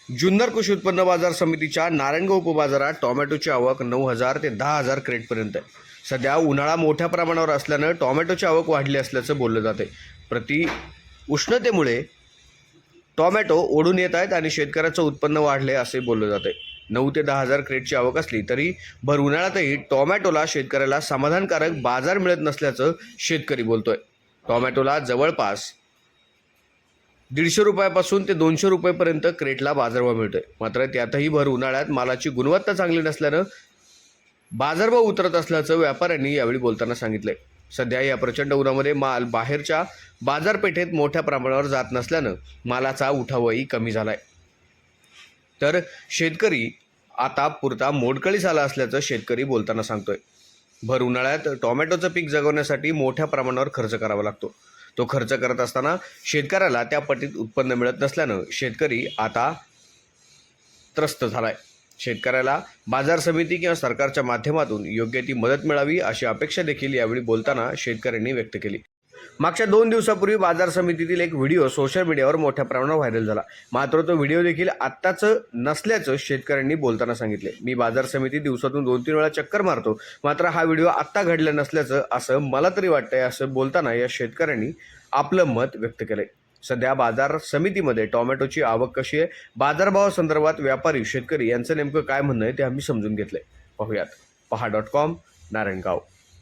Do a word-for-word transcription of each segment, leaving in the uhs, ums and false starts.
जुन्नर कृषी उत्पन्न बाजार समितीच्या नारायणगाव उपबाजारात टोमॅटोची आवक नऊ हजार ते दहा हजार क्रेटपर्यंत आहे. सध्या उन्हाळा मोठ्या प्रमाणावर असल्यानं टोमॅटोची आवक वाढली असल्याचं बोललं जाते. प्रति उष्णतेमुळे टोमॅटो ओढून येत आहेत आणि शेतकऱ्याचं उत्पन्न वाढले असे बोललं जाते. नऊ ते दहा हजार क्रेटची आवक असली तरी भर उन्हाळ्यातही टोमॅटोला शेतकऱ्याला समाधानकारक बाजार मिळत नसल्याचं शेतकरी बोलतोय. टोमॅटोला जवळपास दीडशे रुपयापासून ते दोनशे रुपयेपर्यंत क्रेटला बाजारभाव मिळतोय. मात्र त्यातही भर उन्हाळ्यात मालाची गुणवत्ता चांगली नसल्यानं बाजारभाव उतरत असल्याचं व्यापाऱ्यांनी यावेळी बोलताना सांगितलंय. सध्या या प्रचंड उन्हामध्ये माल बाहेरच्या बाजारपेठेत मोठ्या प्रमाणावर जात नसल्यानं मालाचा उठावही कमी झालाय. तर शेतकरी आता पुरता मोडकळीस आला असल्याचं शेतकरी बोलताना सांगतोय. भर उन्हाळ्यात टोमॅटोचं पीक जगवण्यासाठी मोठ्या प्रमाणावर खर्च करावा लागतो. तो खर्च करत असताना शेतकऱ्याला त्या पटीत उत्पन्न मिळत नसल्यानं शेतकरी आता त्रस्त झालाय. शेतकऱ्याला बाजार समिती किंवा सरकारच्या माध्यमातून योग्य ती मदत मिळावी अशी अपेक्षा देखील यावेळी बोलताना शेतकऱ्यांनी व्यक्त केली. मागच्या दोन दिवसापूर्वी बाजार समितीतील एक व्हिडिओ सोशल मीडियावर मोठ्या प्रमाणावर व्हायरल झाला. मात्र तो व्हिडिओ देखील आत्ताच नसल्याचं शेतकऱ्यांनी बोलताना सांगितले. मी बाजार समिती दिवसातून दोन तीन वेळा चक्कर मारतो, मात्र हा व्हिडिओ आत्ता घडला नसल्याचं असं मला तरी वाटतंय असं बोलताना या शेतकऱ्यांनी आपलं मत व्यक्त केलंय. सध्या बाजार समितीमध्ये टोमॅटोची आवक कशी आहे, बाजारभावासंदर्भात व्यापारी शेतकरी यांचं नेमकं काय म्हणणं आहे ते आम्ही समजून घेतलंय. पाहूयात. पहा डॉट कॉम नारायणगाव.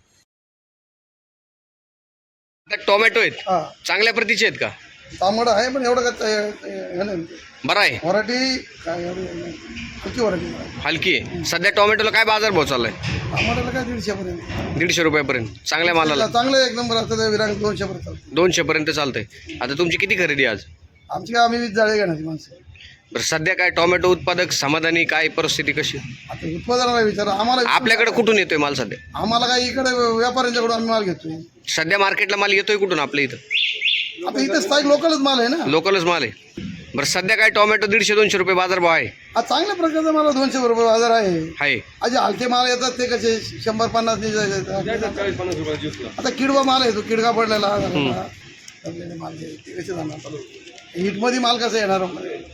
टोमॅटो आहेत चांगल्या प्रतीचे आहेत का? तांबडा आहे पण एवढं काय बरं आहे. वराठी काय हलकी वराठी हलकी आहे. सध्या टोमॅटोला काय बाजारभाव चाललाय? आम्हाला काय दीडशे पर्यंत दीडशे रुपयापर्यंत चांगल्या मालाला. चांगलं एक नंबर असतं विरांग दोनशे पर्यंत दोनशे पर्यंत चालतंय. आता तुमची किती खरेदी आज? आमची काय आम्ही वीस जाळे घेण्याची माणसं. बरं, सध्या काय टोमॅटो उत्पादक समाधानी, काय परिस्थिती कशी? आता उत्पादनाला विचार आम्हाला आपल्याकडे कुठून येतोय माल सध्या? आम्हाला काय इकडे व्यापाऱ्यांच्याकडून आम्ही माल घेतोय. सध्या मार्केटला माल येतोय कुठून आपल्या इथं? आता इथे स्थायिक लोकलच माल आहे ना. लोकलच माल आहे. बरं, सध्या काय टोमॅटो दीडशे दोनशे रुपये बाजारभाव आहे? आज चांगल्या प्रकारचा मला दोनशे रुपये बाजार आहे. आहे आज हलके माल येतात ते कसे शंभर पन्नास. आता किडवा माल आहे, तो किडका पडलेला माल कसे जाणार? हिटमध्ये माल कसा येणार?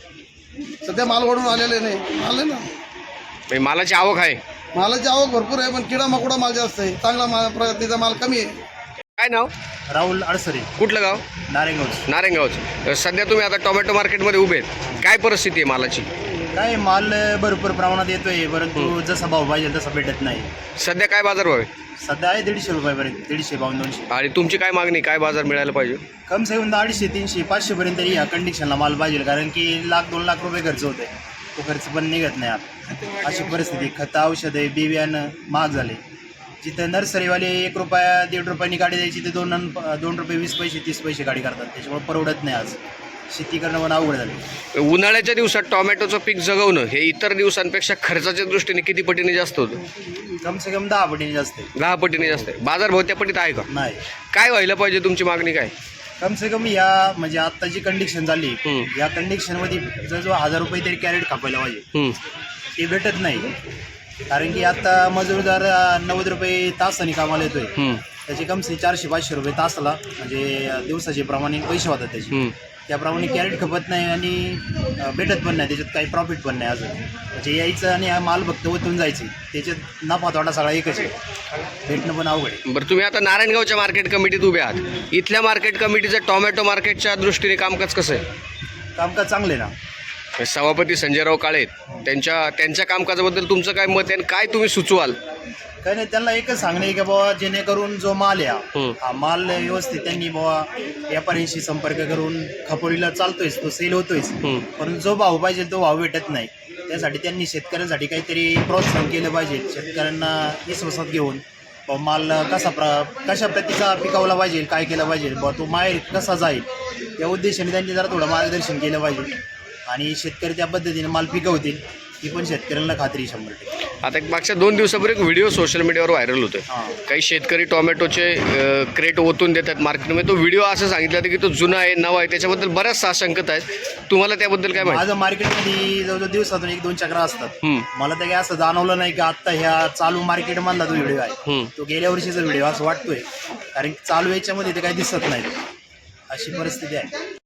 सध्या माल वाढून आलेले नाही. माल आहे ना, मालाची आवक आहे. मालाची आवक भरपूर आहे पण किडा मकोडा माल जास्त आहे. चांगला माल प्रजातीचा माल कमी आहे. काय नाव? राहुल अडसरे. कुठलं गाव? नारायणगाव. नारायणगावचं. सध्या तुम्ही आता टोमॅटो मार्केटमध्ये उभे आहेत, काय परिस्थिती आहे मालाची? काय माल भरपूर प्रमाणात येतोय, परंतु जसा भाव पाहिजे तसा भेटत नाही. सध्या काय बाजारभाव आहे? सध्या आहे दीडशे रुपयापर्यंत, दीडशे बावन्न दोनशे. आणि तुमची काय मागणी, काय बाजार मिळायला पाहिजे? कम से कम अडीचशे तीनशे पाचशे पर्यंत या कंडिशनला माल पाहिजे, कारण की लाख दोन लाख रुपये खर्च होते. तो खर्च पण निघत नाही आता. अशी परिस्थिती. खतं औषधं बी बियाणं महाग झाले. जिथं नर्सरीवाले एक रुपया दीड रुपयांनी गाडी द्यायची ते दोन दोन रुपये वीस पैसे तीस पैसे गाडी करतात. त्याच्यामुळे परवडत नाही. आज शेती करणं पण अवघड झालं. उन्हाळ्याच्या दिवसात टोमॅटोचं पीक जगवणं हे इतर दिवसांपेक्षा खर्चाच्या दृष्टीने किती पटीने जास्त होतं? कम से कम दहा पटीने जास्त आहे. दहा पटीने जास्त आहे. बाजारभाव त्या पटीत आहे का? नाही. काय व्हायला पाहिजे, तुमची मागणी काय? कम से कम या म्हणजे आता जी कंडिशन झाली या कंडिशन मध्ये जवळजवळ हजार रुपये तरी कॅरेट कापायला पाहिजे. ते भेटत नाही, कारण की आता मजूरदार नव्वद रुपये तासाने कामाला येतोय. त्याचे कम से चारशे पाचशे रुपये तासाला म्हणजे दिवसाचे प्रमाणे पैसे होतात त्याचे. त्याप्रमाणे कॅरेट खपत नाही आणि भेटत पण नाही. त्याच्यात काही प्रॉफिट पण नाही अजून. म्हणजे यायचं आणि हा माल फक्त ओतून जायचे, त्याच्यात नफा तोटा सगळा एकच आहे. भेटणं पण अवघड आहे. बरं, तुम्ही आता नारायणगावच्या मार्केट कमिटीत उभे आहात. इथल्या मार्केट कमिटीचं टोमॅटो मार्केटच्या दृष्टीने कामकाज कसं आहे? कामकाज चांगले ना. सभापती संजयराव काळे त्यांच्या त्यांच्या कामकाजाबद्दल तुमचं काय मत आहे आणि काय तुम्ही सुचवाल? काही नाही, त्यांना एकच सांगणे की बाबा जेणेकरून जो माल आहे हा माल व्यवस्थित त्यांनी बाबा व्यापाऱ्यांशी संपर्क करून खपोडीला चालतोयच, तो सेल होतोयच, पण जो भाव पाहिजे तो भाव भेटत नाही. त्यासाठी त्यांनी शेतकऱ्यांसाठी काहीतरी प्रोत्साहन केलं पाहिजे. शेतकऱ्यांना विश्वासात घेऊन माल कसा प्र कशा प्रतीचा पिकवला पाहिजे, काय केलं पाहिजे, बाबा तो माल कसा जाईल, या उद्देशाने त्यांनी जरा थोडं मार्गदर्शन केलं पाहिजे आणि शेतकरी त्या पद्धतीने माल पिकवतील. ही पण शेतकऱ्यांना खात्री शंभर टक्के. आता एक मागच्या दोन दिवसापूर्वी एक व्हिडिओ सोशल मीडियावर व्हायरल होतोय. काही शेतकरी टोमॅटोचे क्रेट ओतून देतात मार्केटमध्ये. तो व्हिडिओ असं सांगितलं होतं की तो जुना आहे, नवा आहे, त्याच्याबद्दल बऱ्याच साशंकता आहेत. तुम्हाला त्याबद्दल काय माहिती? माझं मार्केटमध्ये जवळजवळ दिवसातून एक दोन चक्र असतात. मला तर काही असं जाणवलं नाही की आत्ता ह्या चालू मार्केटमधला तो व्हिडिओ आहे तो गेल्या वर्षीचा व्हिडिओ असं वाटतोय, कारण चालू याच्यामध्ये ते काही दिसत नाही. अशी परिस्थिती आहे.